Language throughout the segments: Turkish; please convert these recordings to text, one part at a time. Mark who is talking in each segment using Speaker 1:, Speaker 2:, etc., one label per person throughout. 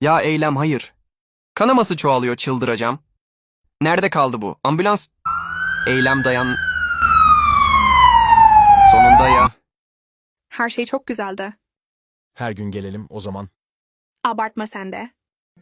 Speaker 1: Ya Eylem hayır. Kanaması çoğalıyor çıldıracağım. Nerede kaldı bu? Ambulans. Eylem dayan. Sonunda ya.
Speaker 2: Her şey çok güzeldi.
Speaker 3: Her gün gelelim o zaman.
Speaker 2: Abartma sen de.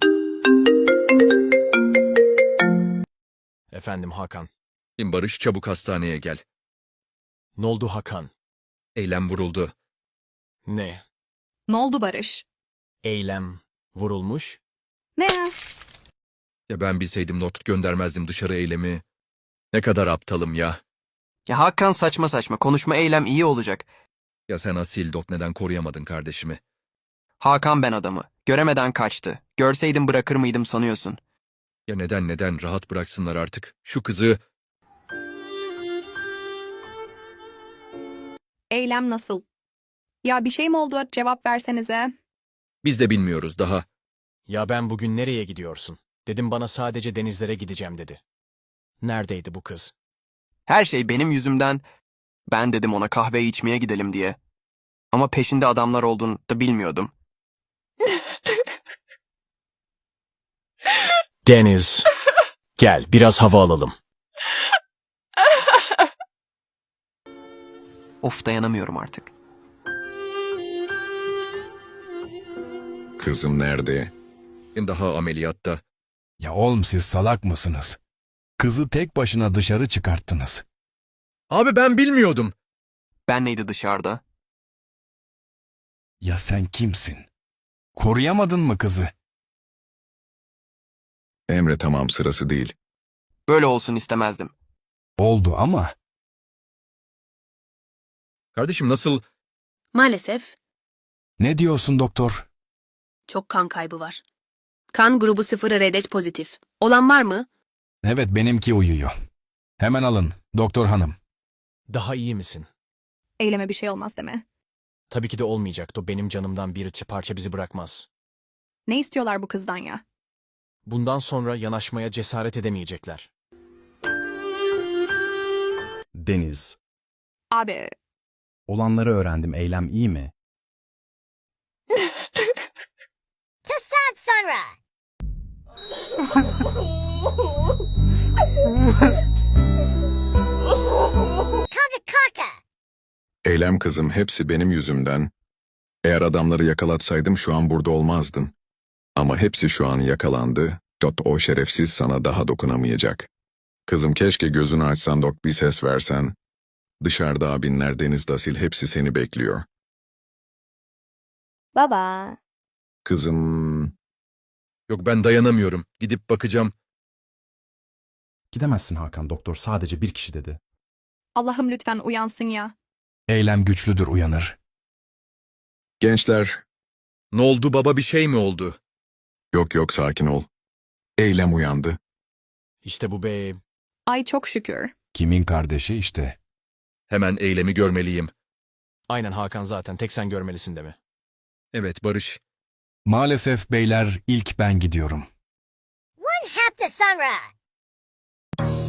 Speaker 3: Efendim Hakan.
Speaker 4: Barış çabuk hastaneye gel.
Speaker 3: Ne oldu Hakan?
Speaker 4: Eylem vuruldu.
Speaker 3: Ne?
Speaker 2: Ne oldu Barış?
Speaker 3: Eylem vurulmuş?
Speaker 2: Ne ya?
Speaker 4: Ya ben bilseydim not göndermezdim dışarı Eylem'i. Ne kadar aptalım ya.
Speaker 1: Ya Hakan saçma saçma. Konuşma Eylem iyi olacak.
Speaker 4: Ya sen asil dot neden koruyamadın kardeşimi?
Speaker 1: Hakan ben adamı. Göremeden kaçtı. Görseydim bırakır mıydım sanıyorsun?
Speaker 4: Ya neden rahat bıraksınlar artık. Şu kızı
Speaker 2: Eylem nasıl? Ya bir şey mi oldu? Cevap versenize.
Speaker 4: biz de bilmiyoruz daha.
Speaker 3: Ya ben bugün nereye gidiyorsun? Dedim bana sadece denizlere gideceğim dedi. Neredeydi bu kız?
Speaker 1: Her şey benim yüzümden. Ben dedim ona kahve içmeye gidelim diye. Ama peşinde adamlar olduğunu da bilmiyordum.
Speaker 3: Deniz. Gel biraz hava alalım.
Speaker 1: Of dayanamıyorum artık.
Speaker 5: Kızım nerede?
Speaker 4: Daha ameliyatta.
Speaker 6: Ya oğlum siz salak mısınız? Kızı tek başına dışarı çıkarttınız.
Speaker 4: Abi ben bilmiyordum.
Speaker 1: Ben neydi dışarıda?
Speaker 6: Ya sen kimsin? Koruyamadın mı kızı?
Speaker 5: Emre tamam sırası değil.
Speaker 1: Böyle olsun istemezdim.
Speaker 6: Oldu ama
Speaker 4: Kardeşim nasıl?
Speaker 7: Maalesef
Speaker 6: ne diyorsun doktor?
Speaker 7: çok kan kaybı var. Kan grubu 0 RH pozitif. Olan var mı?
Speaker 6: Evet benimki uyuyor. Hemen alın doktor hanım.
Speaker 3: Daha iyi misin?
Speaker 2: Eyleme bir şey olmaz deme.
Speaker 3: Tabii ki de olmayacaktı. O benim canımdan bir parça bizi bırakmaz.
Speaker 2: Ne istiyorlar bu kızdan ya?
Speaker 3: Bundan sonra yanaşmaya cesaret edemeyecekler.
Speaker 8: Deniz.
Speaker 2: Abi,
Speaker 8: Olanları öğrendim. Eylem iyi mi?
Speaker 5: Eylem kızım hepsi benim yüzümden. Eğer adamları yakalatsaydım şu an burada olmazdın. Ama hepsi şu an yakalandı. O şerefsiz sana daha dokunamayacak. Kızım keşke gözünü açsan dok bir ses versen. Dışarıda abinler Deniz Dasil hepsi seni bekliyor.
Speaker 9: Baba.
Speaker 5: Kızım
Speaker 4: Yok ben dayanamıyorum. Gidip bakacağım.
Speaker 8: Gidemezsin Hakan. Doktor sadece bir kişi dedi.
Speaker 2: Allah'ım lütfen uyansın ya.
Speaker 6: Eylem güçlüdür uyanır.
Speaker 5: gençler
Speaker 4: Ne oldu baba bir şey mi oldu?
Speaker 5: yok sakin ol. Eylem uyandı.
Speaker 3: İşte bu be.
Speaker 2: Ay çok şükür.
Speaker 6: Kimin kardeşi işte.
Speaker 4: Hemen Eylem'i görmeliyim.
Speaker 3: Aynen Hakan zaten tek sen görmelisin de mi?
Speaker 4: Evet Barış.
Speaker 6: Maalesef beyler ilk ben gidiyorum.
Speaker 9: One half the sunrise.